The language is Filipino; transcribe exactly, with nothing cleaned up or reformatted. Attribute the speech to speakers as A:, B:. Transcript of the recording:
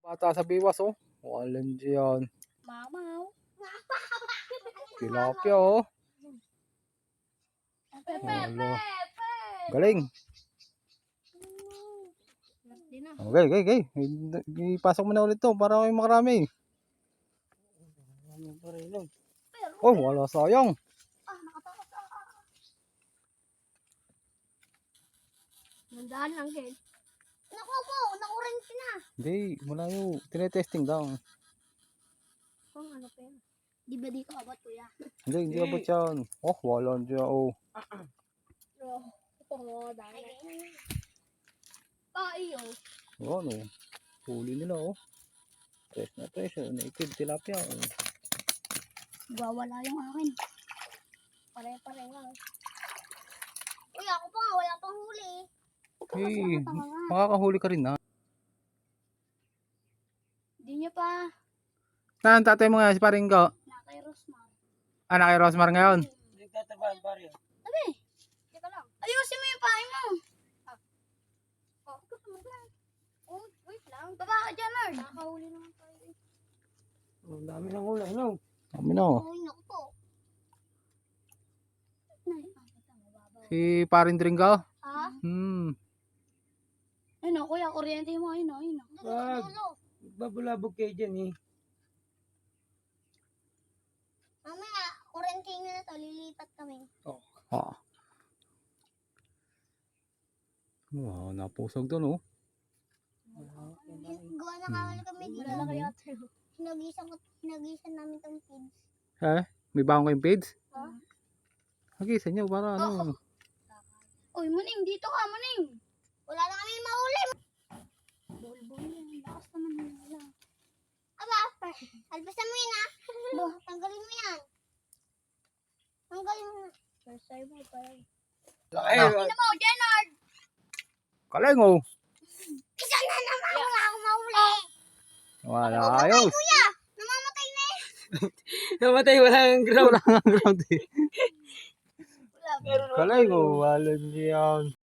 A: Bata sa biwas oh. Walang diyan.
B: Mamaw.
A: Tilapia oh. Wala. Galing. Okay, okay, okay. Ipasok mo na ulit to para may makarami. Oh, wala sayang.
B: Nandahan lang din. Naku po, nakurente na.
A: Hindi, malayo. Tinetesting daw.
B: Kung ano pa yun. Di ba di ka abot kuya?
A: Hindi, hindi abot yan. Oh, wala dyan oh.
B: Oo, dahil. Pa, iyo.
A: Oh, ano. Huli nila oh. Fresh na fresh oh. Native tilapia oh.
B: Wawala yung akin. Pare-pare nga. Uy, ako pa nga, wala pang huli.
A: Hey, makakahuli ka rin na.
B: Di niya pa.
A: Saan tatay mo nga si paring ko?
B: Na kay Rosmar.
A: Ah, na kay Rosmar ngayon?
C: Nagtatrabahan pare.
B: Abi, teka lang. Ayusin mo yung pahay mo. Ah. Oh, ito sa mga. Oh, wait lang. Baba ka dyan, Lord. Nakahuli naman tayo.
C: Ang dami ng ulam, no?
A: Kami na oh.
B: Uy, naku po.
A: Si paring Dringo?
B: Ha?
A: Hmm.
B: Ayun o, kuya, kuryente mo. Ayun o, ayun o.
C: Wag. Babulabog kayo dyan eh.
B: Mamaya, kuryente nyo na to. Lilipat kami.
A: Ah. Wow, napusog doon oh.
B: Gawa na kawal kami dito. Wala kaya tayo. Hinagisan, ko, hinagisan namin tong kids.
A: Eh, may baong kayong page?
B: Ha?
A: Hagisan nyo para ano.
B: Uy, Muning, dito ka, Muning. Wala na kami mahuli. Bulbul yan. Lakas naman yun. Wala. Aba, albasan mo yun ha. Tanggalin mo yan. Tanggalin mo na. First time mo pa rin.
C: Ay,
B: Ano mo, Jenard?
A: Kaleng oh.
B: Isa na naman. Wala akong mahuli.
A: Wala ayos.
B: Kuya, namamatay na eh.
C: namatay, walang ground.
A: Wala nga ground eh.
B: Wala.
A: Kaleng oh, walang yan.